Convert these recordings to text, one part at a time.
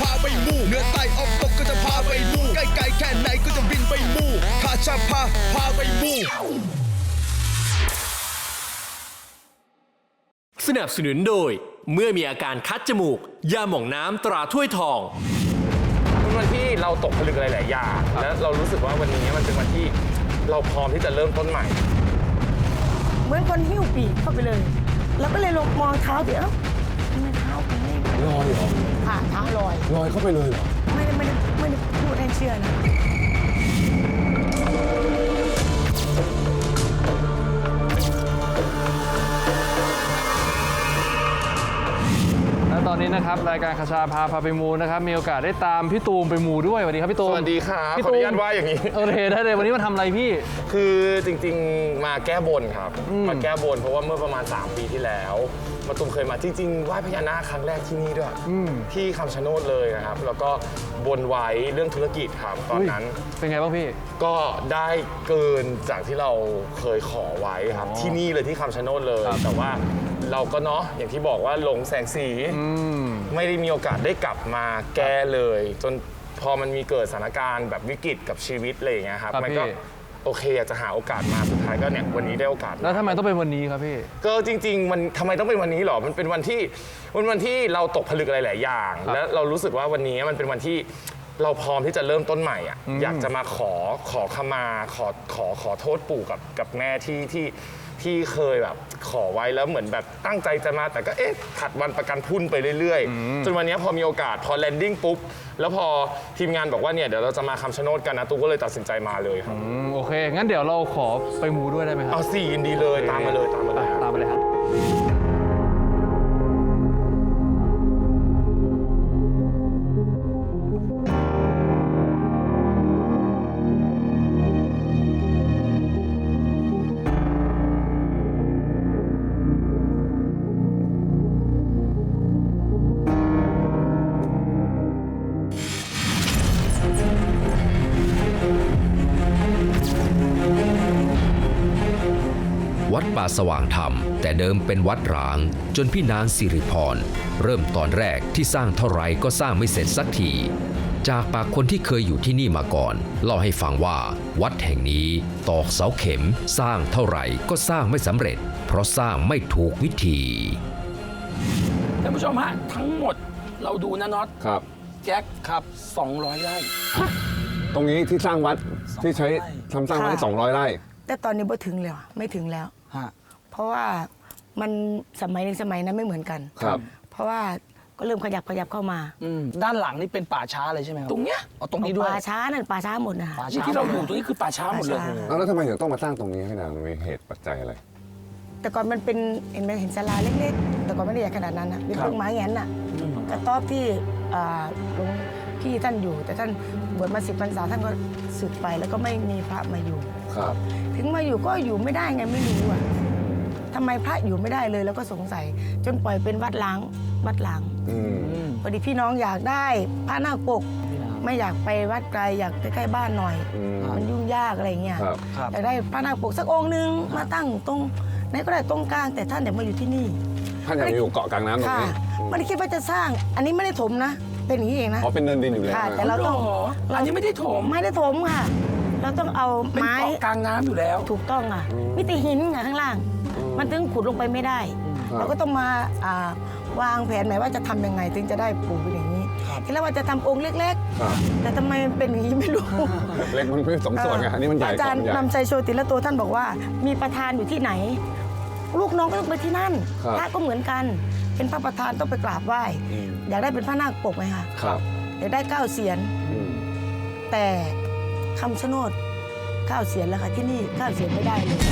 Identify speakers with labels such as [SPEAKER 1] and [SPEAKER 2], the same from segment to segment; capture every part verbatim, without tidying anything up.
[SPEAKER 1] าไปมู่เหนือใต้ออกตกก็จะพาไปมู่ใกล้ไกลแค่ไหนก็จะบินไปมู่ข้าจะพาพาไปมู่
[SPEAKER 2] สนับสนุนโดยเมื่อมีอาการคัดจมูกยาหม่องน้ำตราถ้วยทอง
[SPEAKER 3] เป็นวันที่เราตกผลึกหลายๆอย่างและเรารู้สึกว่าวันนี้มันเป็นวันที่เราพร้อมที่จะเริ่มต้นใหม่
[SPEAKER 4] เหมือนคนหิ้วปีกเข้าไปเลยแล้วก็เลยลงมองเท้าเดี๋ยวทำไมเท้าเป็นไม่
[SPEAKER 5] ลอยเหรอ
[SPEAKER 4] ค่ะเท้าลอย
[SPEAKER 5] ลอยเข้าไปเลยเหรอ
[SPEAKER 4] ไม่ได้ไม่ได้ไม่ได้พูดให้เชื่อนะ
[SPEAKER 6] และตอนนี้นะครับรายการคชาพาพาไปมูนะครับมีโอกาสได้ตามพี่ตูมไปมูด้วยสวัสดีครับพี่ตูม
[SPEAKER 3] สวัสดีครับขออนุญาตว่าอย่างนี้
[SPEAKER 6] โอเคได้เลยวันนี้มาทำอะไรพี่
[SPEAKER 3] คือจริงๆมาแก้บนครับมาแก้บนเพราะว่าเมื่อประมาณสามปีที่แล้วมาตูมเคยมาจริงๆไหว้พญานาคครั้งแรกที่นี่ด้วยที่คำชะโนดเลยนะครับแล้วก็บนไว้เรื่องธุรกิจครับตอนนั้น
[SPEAKER 6] เป็นไงบ้างพี่
[SPEAKER 3] ก็ได้เกินจากที่เราเคยขอไว้ครับที่นี่เลยที่คำชะโนดเลยแต่ว่าเราก็เนาะอย่างที่บอกว่าหลงแสงสีไม่ได้มีโอกาสได้กลับมาแก้เลยจนพอมันมีเกิดสถานการณ์แบบวิกฤตกับชีวิตอะไรอย่างเงี้ยครับมันก็โอเคอยากจะหาโอกาสมาสุดท้ายก็เนี่ยวันนี้ได้โอกาส
[SPEAKER 6] แล้วทำไมต้องเป็นวันนี้ครับพี่
[SPEAKER 3] ก็จริงๆมันทำไมต้องเป็นวันนี้หรอมันเป็นวันที่วันวันที่เราตกผลึกหลายๆอย่างแล้วเรารู้สึกว่าวันนี้มันเป็นวันที่เราพร้อมที่จะเริ่มต้นใหม่อ่ะอยากจะมาขอขอขมาขอขอขอโทษปู่กับกับแม่ที่ที่ที่เคยแบบขอไว้แล้วเหมือนแบบตั้งใจจะมาแต่ก็เอ๊ะถัดวันประกันพุ่นไปเรื่อยๆจนวันนี้พอมีโอกาสพอแลนดิ้งปุ๊บแล้วพอทีมงานบอกว่าเนี่ยเดี๋ยวเราจะมาคำชะโนดกันนะตูก็เลยตัดสินใจมาเลยครับ
[SPEAKER 6] โอเคงั้นเดี๋ยวเราขอไปมูด้วยได้ไหมครับ
[SPEAKER 3] เอาสิยินดีเลยตามมาเลยตามมาเลย
[SPEAKER 6] ตามมาเลยครับ
[SPEAKER 7] วัดป่าสว่างธรรมแต่เดิมเป็นวัดร้างจนพี่นางสิริพรเริ่มตอนแรกที่สร้างเท่าไรก็สร้างไม่เสร็จสักทีจากปากคนที่เคยอยู่ที่นี่มาก่อนเล่าให้ฟังว่าวัดแห่งนี้ตอกเสาเข็มสร้างเท่าไหร่ก็สร้างไม่สำเร็จเพราะสร้างไม่ถูกวิธี
[SPEAKER 8] ท่านผู้ชมฮะทั้งหมดเราดูนะน็อต
[SPEAKER 5] ครับ
[SPEAKER 8] แจ็คครับสองร้อยไร่
[SPEAKER 5] ตรงนี้ที่สร้างวัดที่ใช้ทำสร้างวัดสองร้อยไร่
[SPEAKER 4] แต่ตอนนี้ไม่ถึงแล้วไม่ถึงแล้วเพราะว่ามันสมัยในสมัยนั้นไม่เหมือนกัน
[SPEAKER 5] ครับ
[SPEAKER 4] เพราะว่าก็เริ่มขยับขยับเข้ามา
[SPEAKER 8] ด้านหลังนี่เป็นป่าช้าเลยใช่ไหมครับตรงเนี้ยอ๋อตรงนี้ด้วย
[SPEAKER 4] ป่าช้านั่นป่าช้าหมดนะ
[SPEAKER 8] นี่ที่เราอยู่ตรงนี้คือป่าช้าหมดเลย
[SPEAKER 5] แล้วทำไมถึงต้องมาสร้างตรงนี้ให้นางมีเหตุปัจจัยอะไร
[SPEAKER 4] แต่ก่อนมันเป็นเห็นไหมเห็นศาลาเล็กๆแต่ก่อนไม่ได้ใหญ่ขนาดนั้นนะเป็นเพิ่งไม้แงนน่ะกระต๊อบที่หลวงพี่ท่านอยู่แต่ท่านบวชมาสิบพรรษาท่านก็สึกไปแล้วก็ไม่มีพระมาอยู่ถึงมาอยู่ก็อยู่ไม่ได้ไงไม่รู้อ่ะทำไมพระอยู่ไม่ได้เลยแล้วก็สงสัยจนปล่อยเป็นวัดล้างวัดล้างพอดีพี่น้องอยากได้พระนาคปกไม่อยากไปวัดไกลอยากใกล้ๆบ้านหน่อยมันยุ่งยากอะไรเงี้ยอยากได้พระนาคปกสักองค์นึงมาตั้งตรงไหนก็ได้ตรงกลางแต่ท่านอยากมาอยู่ที่นี่
[SPEAKER 5] ท่านอยากอยู่เกาะกลางน้ำตรงนี้
[SPEAKER 4] ไม่ได้คิดว่าจะสร้างอันนี้ไม่ได้ถมนะเป็นอย่างนี้เองนะ
[SPEAKER 5] อ๋อเป็นเนินดินอยู่แล้ว
[SPEAKER 4] แต่เราต้อง
[SPEAKER 8] อันนี้ไม่ได้ถม
[SPEAKER 4] ไม่ได้ถมค่ะเราต้องเอาไม้
[SPEAKER 8] กลางน้ำอยู่แล้ว
[SPEAKER 4] ถูกต้องอ่ะมิติหินไงข้างล่างมันถึงขุดลงไปไม่ได้เราก็ต้องมาวางแผนหมายว่าจะทำยังไงถึงจะได้ปลูกเป็นอย่างนี้ทีแรกว่าจะทำองค์เล็กๆแต่ทำไมเป็นอย่างนี้ไม่รู้
[SPEAKER 5] เล็กมันเป็นสมส่วนไงอันนี้มันใหญ่
[SPEAKER 4] อาจารย์นำชัยโชติละโตท่านบอกว่ามีประธานอยู่ที่ไหนลูกน้องก็ต้องไปที่นั่นพระก็เหมือนกันเป็นพระประธานต้องไปกราบไหว้อยากได้เป็นพระนาคปกไหมคะอยากได้เก้าเสียนแต่คำชะโนดเก้าเสียนแล้วค่ะที่นี่เก้าเสียนไม่ได้เลย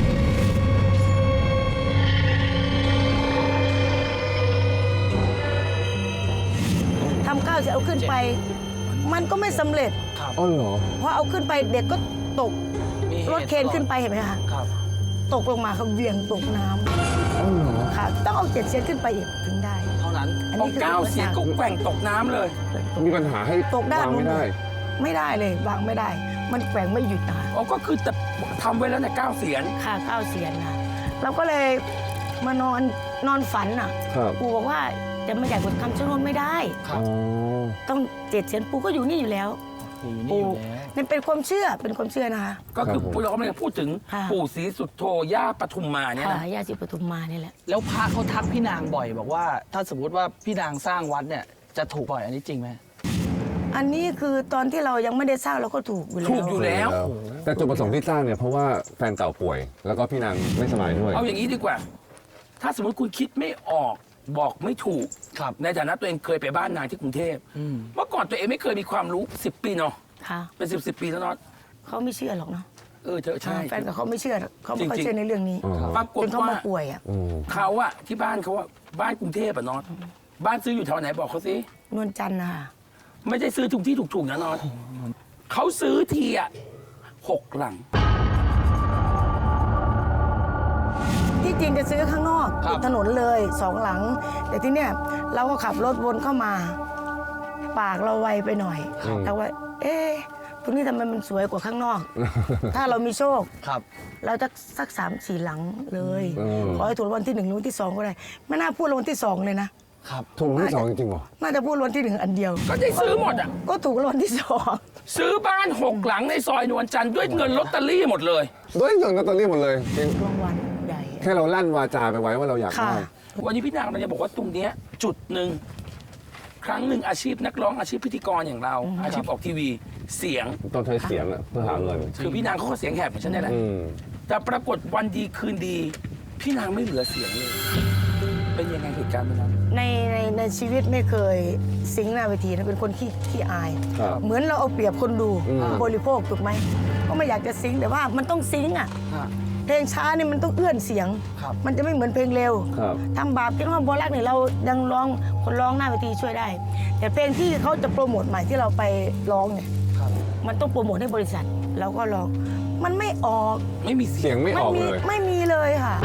[SPEAKER 4] ทำเก้าเสียนเอาขึ้นไปมันก็ไม่สำเร็จ
[SPEAKER 5] อ๋อเหรอ
[SPEAKER 4] เพราะเอาขึ้นไปเด็กก็ตกรถเคนขึ้นไปเห็นไหมคะตกลงมาเขาเวียงตกน้ำค่ะต้องเอาเจ็ดเสียนขึ้นไปอีกถึงได้
[SPEAKER 8] เท่านั้นเอาเก้าเสียนก็แกว่งตกน้ำเลย
[SPEAKER 5] มีปัญหาให้
[SPEAKER 4] ตกได้
[SPEAKER 5] ไม่ได้
[SPEAKER 4] ไม่ได้เลยวางไม่ได้มันแกว่งไม่หยุดนะคะ
[SPEAKER 8] อ๋อก็คือแต่ทำไว้แล้วเนี่ยเก้าเสียน
[SPEAKER 4] ค่ะเก้าเสียนนะเราก็เลยมานอนนอนฝันอ่ะปู่บอกว่าแต่ไม่ใหญ่กว่าคำชะโนดไม่ได้
[SPEAKER 5] อ๋อ
[SPEAKER 4] ต้องเจ็ดเสียนปู่ก็อยู่นี่อยู่แล้ว
[SPEAKER 9] อยู่นี่อ
[SPEAKER 4] ปู่
[SPEAKER 9] ยู่แล้ว
[SPEAKER 4] นี่เป็นความเชื่อเป็นความเชื่อนะคะ
[SPEAKER 8] ก็คือ
[SPEAKER 5] ครับผม
[SPEAKER 8] เรากำลังจะพูดถึง
[SPEAKER 4] ค่ะ
[SPEAKER 8] ปู่ศรีสุโธย่าปทุมมาเนี่ย
[SPEAKER 4] ค่ะ
[SPEAKER 8] นะ
[SPEAKER 4] ย่าศรีปทุมมานี่แหละ
[SPEAKER 9] แล้วพระเขาทักพี่นางบ่อยบอกว่าถ้าสมมติว่าพี่นางสร้างวัดเนี่ยจะถูกบ่อยอันนี้จริงไหม
[SPEAKER 4] อันนี้คือตอนที่เรายังไม่ได้สร้างเราก็ถูกอยู่แล้ว
[SPEAKER 8] ถูกอยู่แล้ว
[SPEAKER 5] แต่จุดประสงค์ที่สร้างเนี่ยเพราะว่าแฟนเก่าป่วย แล้วก็พี่นางไม่สบายด้วย
[SPEAKER 8] เอาอย่างนี้ดีกว่า ถ้าสมมติคุณคิดไม่ออกบอกไม่ถูก
[SPEAKER 9] ครับ
[SPEAKER 8] ในฐานะตัวเองเคยไปบ้านนางที่กรุงเทพ
[SPEAKER 9] อืม
[SPEAKER 8] เมื่อก่อนตัวเองไม่เคยมีความรู้สิบปีเนาะ
[SPEAKER 4] ค่ะ
[SPEAKER 8] เป็นสิบสิบปีแล้วเนาะ
[SPEAKER 4] เขาไม่เชื่อหรอกเนาะ
[SPEAKER 8] เออเธอใช่
[SPEAKER 4] แฟนกับเขาไม่เชื่อเขาไม่ค่อย
[SPEAKER 8] จริงๆ
[SPEAKER 4] เชื่อในเรื่องนี้
[SPEAKER 5] อ๋อ
[SPEAKER 8] ปรากฏ
[SPEAKER 4] จนเขา
[SPEAKER 8] ว่า
[SPEAKER 4] มาป่วยอ่ะ
[SPEAKER 5] อืม
[SPEAKER 8] เขาอะที่บ้านเขาอะบ้านกรุงเทพอะเนอนบ้านซื้ออยู่แถวไหนบอกเขาสิ
[SPEAKER 4] นวลจันทร์นะคะ
[SPEAKER 8] ไม่ได้ซื้อถูกที่ถูกๆนะนอนเขาซื้อทีอะหกหลัง
[SPEAKER 4] ที่จริงจะซื้อข้างนอก
[SPEAKER 9] ครับ
[SPEAKER 4] ติดถนนเลยสองหลัง แต่ที่เนี้ยเราก็ขับรถวนเข้ามา ปากเราไวไปหน่อยแต่ว่า เอ๊ะตรงนี้ทำไมมันสวยกว่าข้างนอก ถ้าเรามีโชค
[SPEAKER 9] ครับ
[SPEAKER 4] เราจะสักสามสี่หลังเลย
[SPEAKER 5] อืม
[SPEAKER 4] ขอให้ถูกรางวัลที่หนึ่งหรือวันที่สองก็ได้ไม่น่าพูดรางวัลที่สองเลยนะครับ
[SPEAKER 5] ถูกรางวัลที่สองจริงๆเหรอ
[SPEAKER 4] น่าจะพูดรางวัลที่หนึ่งอันเดียว
[SPEAKER 8] ก็ได้ซื้อหมดอะ
[SPEAKER 4] ก็ถูกรางวัลที่สอง
[SPEAKER 8] ซื้อบ้านหกหลังในซอยนวลจันทร์ด้วยเงินลอตเตอรี่หมดเลย
[SPEAKER 5] ด้วยเงินลอตเตอรี่หมดเลยจริง
[SPEAKER 4] รางวัลใหญ่
[SPEAKER 5] แค่เราลั่นวาจาไปไว้ว่าเราอยาก
[SPEAKER 4] ค่ะ
[SPEAKER 5] ได้
[SPEAKER 8] วันนี้พี่นางเราจะบอกว่าตรงเนี้ยจุดหนึ่งครั้งหนึ่งอาชีพนักร้องอาชีพพิธีกรอย่างเรา อาชีพออกทีวีเสียง
[SPEAKER 5] ต้องใช้เสียงอะเพื่อหาเงิน
[SPEAKER 8] คือพี่นางเขาก็เสียงแหบเหมือนฉันนี่แหละ
[SPEAKER 5] อืม
[SPEAKER 8] แต่ปรากฏวันดีคืนดี พี่นางไม่เหลือเสียงเลย เป็นยังไงเหตุการณ์วันนั้น
[SPEAKER 4] ในในในชีวิตไม่เคยซิงค์หน้าเวทีนะเป็นคนขี้ขี้อาย
[SPEAKER 5] ครับ
[SPEAKER 4] เหมือนเราเอาเปรียบคนดู
[SPEAKER 5] อืม
[SPEAKER 4] บริโภคถูกไหมก็ไม่อยากจะซิงค์แต่ว่ามันต้องซิงค์อ่ะ
[SPEAKER 9] ฮะ
[SPEAKER 4] เพลงช้านี่มันต้องเอื้อนเสียง
[SPEAKER 9] ครับ
[SPEAKER 4] มันจะไม่เหมือนเพลงเร็ว
[SPEAKER 5] ครับ
[SPEAKER 4] ทำบาปคิดว่าโบรักเนี่ยเรายังร้องคนร้องหน้าเวทีช่วยได้ แต่เพลงที่เขาจะโปรโมทใหม่ที่เราไปร้องเนี่ย
[SPEAKER 9] ครับ
[SPEAKER 4] มันต้องโปรโมทให้บริษัทเราก็ร้องมันไม่ออก
[SPEAKER 8] ไม่มีเสี
[SPEAKER 5] เสี
[SPEAKER 8] ยง
[SPEAKER 5] ยงไม่ออก
[SPEAKER 4] มี
[SPEAKER 5] เลย
[SPEAKER 4] ไม่มีเลยค่ะ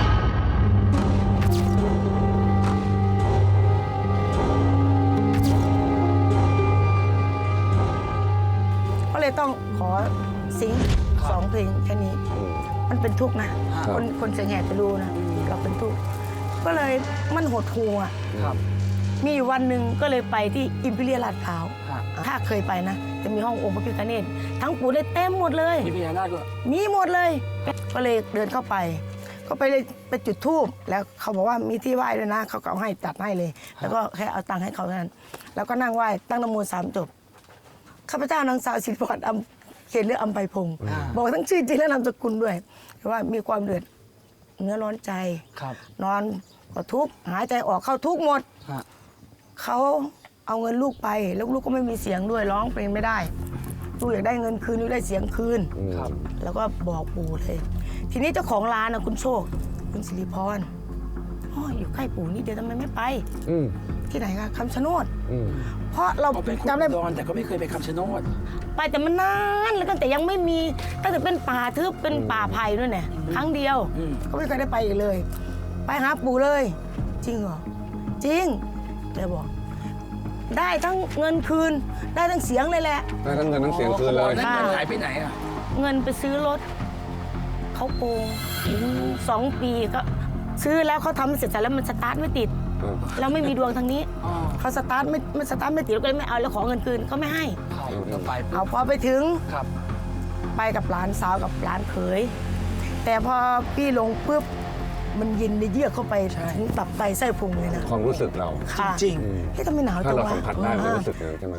[SPEAKER 4] ก็เลยต้องขอซิงค์สองเพลงแค่นี้ มันเป็นทุกข์นะ
[SPEAKER 5] ครับ
[SPEAKER 4] คนคนเสียงแหบจะรู้นะ เราเป็นทุกข์ก็เลยมันหดหูอ่ะ
[SPEAKER 9] ครับ
[SPEAKER 4] มีอยู่วันหนึ่งก็เลยไปที่อิมพีเรียลลาดพร้าว
[SPEAKER 9] ฮะ
[SPEAKER 4] ถ้าเคยไปนะ จะมีห้ององค์พระพิฆเนศทั้งปู่ได้เต็มหมดเลย
[SPEAKER 8] มีพญานาคด้วย
[SPEAKER 4] มีหมดเลย ก็เลยเดินเข้าไป ก็ไปเลยไปจุดธูปแล้วเขาบอกว่ามีที่ไหว้ด้วยนะ เขาก็เอาให้จัดให้เลย แล้วก็แค่เอาตังค์ให้เขาเท่านั้น แล้วก็นั่งไหว้ตั้งนโมสามจบ ข้าพเจ้านางสาวสิริพรอำเขตเลือกอำไพพงศ์บอกทั้งชื่อจริงและนามสกุลด้วยแต่ว่ามีความเดือดเนื้อร้อนใจ
[SPEAKER 9] ครับ
[SPEAKER 4] นอนก็ทุกข์หายใจออกเข้าทุกข์หมด
[SPEAKER 9] ฮะ
[SPEAKER 4] เขาเอาเงินลูกไป แล้วลูกก็ไม่มีเสียงด้วยร้องเพลงไม่ได้ ลูกอยากได้เงินคืนลูกได้เสียงคืน
[SPEAKER 9] ครับ
[SPEAKER 4] แล้วก็บอกปู่เลย ทีนี้เจ้าของร้านนะคุณโชค คุณสิริพรอ๋ออยู่ใกล้ปู่นี่เดี๋ยวทำไมไม่ไป
[SPEAKER 5] อืม
[SPEAKER 4] ที่ไหนคะคำชะโนด
[SPEAKER 5] อืม
[SPEAKER 4] เพราะเรา
[SPEAKER 8] เขาเป็นคน
[SPEAKER 4] จำได้
[SPEAKER 8] อุดรแต่ก็ไม่เคยไปคำชะโนด
[SPEAKER 4] ไปแต่มันนานแล้วตั้งแต่ยังไม่มีตั้งแต่เป็นป่าทึบเป็นป่าไผ่ด้วยเนี่ยครั้งเดียว
[SPEAKER 8] อืม
[SPEAKER 4] ก็ไม่เคยได้ไปอีกเลย ไปหาปู่เลย จริงเหรอจริงเลยบอก ได้ทั้งเงินคืน ได้ทั้งเสียงเลยแหละ
[SPEAKER 5] ได้ทั้งเงินทั้งเสียงคืนเลย
[SPEAKER 8] นั่นเงินหายไปไหนอะ
[SPEAKER 4] เงินไปซื้อรถเขาโกงสองปีก็ซื้อแล้วเขาทำเสร็จแล้วมันสตาร์ทไม่ติด
[SPEAKER 5] อืม
[SPEAKER 4] เราไม่มีดวงทางนี้เขาสตาร์ทไม่ไม่สตาร์ทไม่ติดเราก็เลยไม่เอาแล้วขอเงินคืนเขาไม่ให้
[SPEAKER 9] ครับก็ไปปุ๊บ
[SPEAKER 4] เอาพอไปถึง
[SPEAKER 9] ครับ
[SPEAKER 4] ไปกับหลานสาวกับหลานเขย แต่พอพี่ลงปุ๊บมันเย็นในเยือกเข้าไปถึงตับไตไส้พุงเลยนะ
[SPEAKER 5] ความรู้สึกเรา
[SPEAKER 4] ค่ะ
[SPEAKER 9] จริง
[SPEAKER 4] เฮ้ยทำไมหนาว
[SPEAKER 5] ถ้า
[SPEAKER 4] จัง
[SPEAKER 5] เรา
[SPEAKER 4] วะ
[SPEAKER 5] สัมผัสได้มันรู้สึกอย่างนั้นใช่ไหม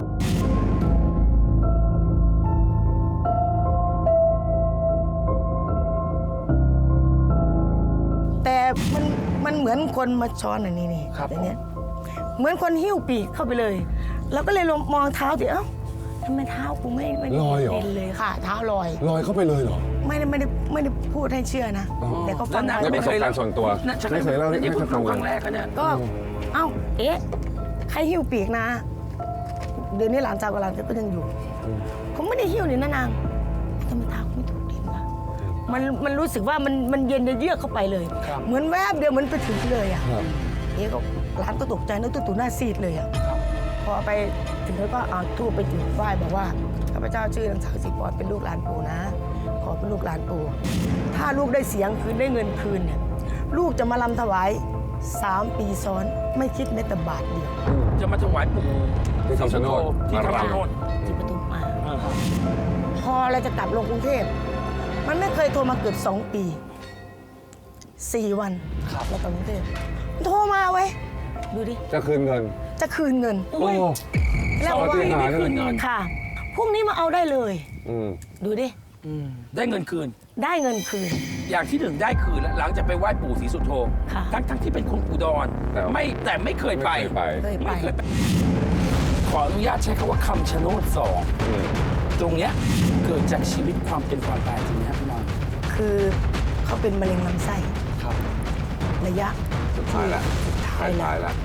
[SPEAKER 4] แต่มันมันเหมือนคนมาช้อนอันนี้นี่
[SPEAKER 9] ครับ
[SPEAKER 4] อย่างเนี้ยเหมือนคนหิ้วปีกเข้าไปเลย เราก็เลยลองมองเท้าดิเอ้าทำไมเท้ากูไม่ไม่ได้
[SPEAKER 5] ลอยเหรอ
[SPEAKER 4] เป็นเลยค่ะ เท้าลอย
[SPEAKER 5] ลอยเข้าไปเลยเหรอ
[SPEAKER 4] ไม่ได้ไม่ได้ไม่ได้พูดให้เชื่อนะ แต่ก็ฟัง
[SPEAKER 8] แล้วนาง
[SPEAKER 4] ได้
[SPEAKER 8] ก็ไม่เคย
[SPEAKER 5] ประสบการณ์ส่วนตัว
[SPEAKER 8] นั่นฉัน
[SPEAKER 5] ไม่เคยเล่าให้
[SPEAKER 8] นี่เพิ่ง
[SPEAKER 5] ให้ฟั
[SPEAKER 8] รู้
[SPEAKER 5] ง
[SPEAKER 8] ครั้งแรกนะเนี่ย
[SPEAKER 4] ก็ เอ้า เอ๊ะ ใครหิ้วปีกนะ เดี๋ยวนี้หลานสาวกับหลานก็ยังอยู่ ผมไม่ได้หิ้วนี่นะนางทำไมเท้าไม่ถูกดินวะมันมันรู้สึกว่ามันมันเย็นเยือกเข้าไปเลย
[SPEAKER 9] ครับ
[SPEAKER 4] เหมือนแวบเดียวเหมือนไปถึงเลยอ่ะ
[SPEAKER 5] ครับ
[SPEAKER 4] เอ๊ะก็หลานก็ตกใจนึกตู่หน้าซีดเลยอ่ะ พอไปถึงแล้วก็เอาทูบไปจุดไหว้บอกว่าข้าพเจ้าชื่อนางสาวสิริพรเป็นลูกหลานปู่นะ ขอเป็นลูกหลานปู่ถ้าลูกได้เสียงคืนได้เงินคืนเนี่ยลูกจะมาลำถวายสามปีซ้อนไม่คิดแม้แต่บาทเดียว
[SPEAKER 8] จะมาถวายปู่
[SPEAKER 5] ที่คำชะโนด
[SPEAKER 8] ที่
[SPEAKER 5] มาร
[SPEAKER 8] คำชะโนด
[SPEAKER 4] ที่ปทุมมาพอเราจะกลับลงกรุงเทพมันไม่เคยโทรมาเกือบสองปีสี่วันครับเรากลับกรุงเทพมันโทรมาไว้ยดูดิ
[SPEAKER 5] จะคืนเงิน
[SPEAKER 4] จะคืนเงิน
[SPEAKER 5] โอ้
[SPEAKER 4] แล้วบอกว่า
[SPEAKER 5] ปฏิหาริย์
[SPEAKER 8] ไม่คืนเงิน
[SPEAKER 4] ค่ะพรุ่งนี้มาเอาได้เลย
[SPEAKER 5] อืม
[SPEAKER 4] ดูดิ
[SPEAKER 8] ได้เงินคืน
[SPEAKER 4] ได้เงินคืน
[SPEAKER 8] อย่างที่หนึ่งได้คืนแล้วหลังจากไปไหว้ปู่ศรีสุโธ
[SPEAKER 4] ค่ะ
[SPEAKER 8] ทั้งทั้งที่เป็นคนอุดร
[SPEAKER 5] แต่ว่า
[SPEAKER 8] ไม่แต่ไม่เคยไป
[SPEAKER 5] ไม่เคยไป
[SPEAKER 4] เคยไป
[SPEAKER 8] ไม่เคยไป ขออนุญาตใช้คำว่าคำชะโนดสอง
[SPEAKER 5] อืม
[SPEAKER 8] ตรงเนี้ยเกิดจากชีวิตความเป็นความตายจริงไหมครับพี่น้อง
[SPEAKER 4] คือเขาเป็นมะเร็งลำไส้
[SPEAKER 9] ครับ
[SPEAKER 4] ระยะ
[SPEAKER 5] สุดท้ายแล้ว
[SPEAKER 4] ท้ายแล้ว
[SPEAKER 5] ท้ายแล้ว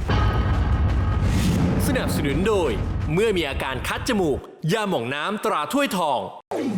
[SPEAKER 2] สนับสนุนโดย เมื่อมีอาการคัดจมูก ยาหม่องน้ำตราถ้วยทอง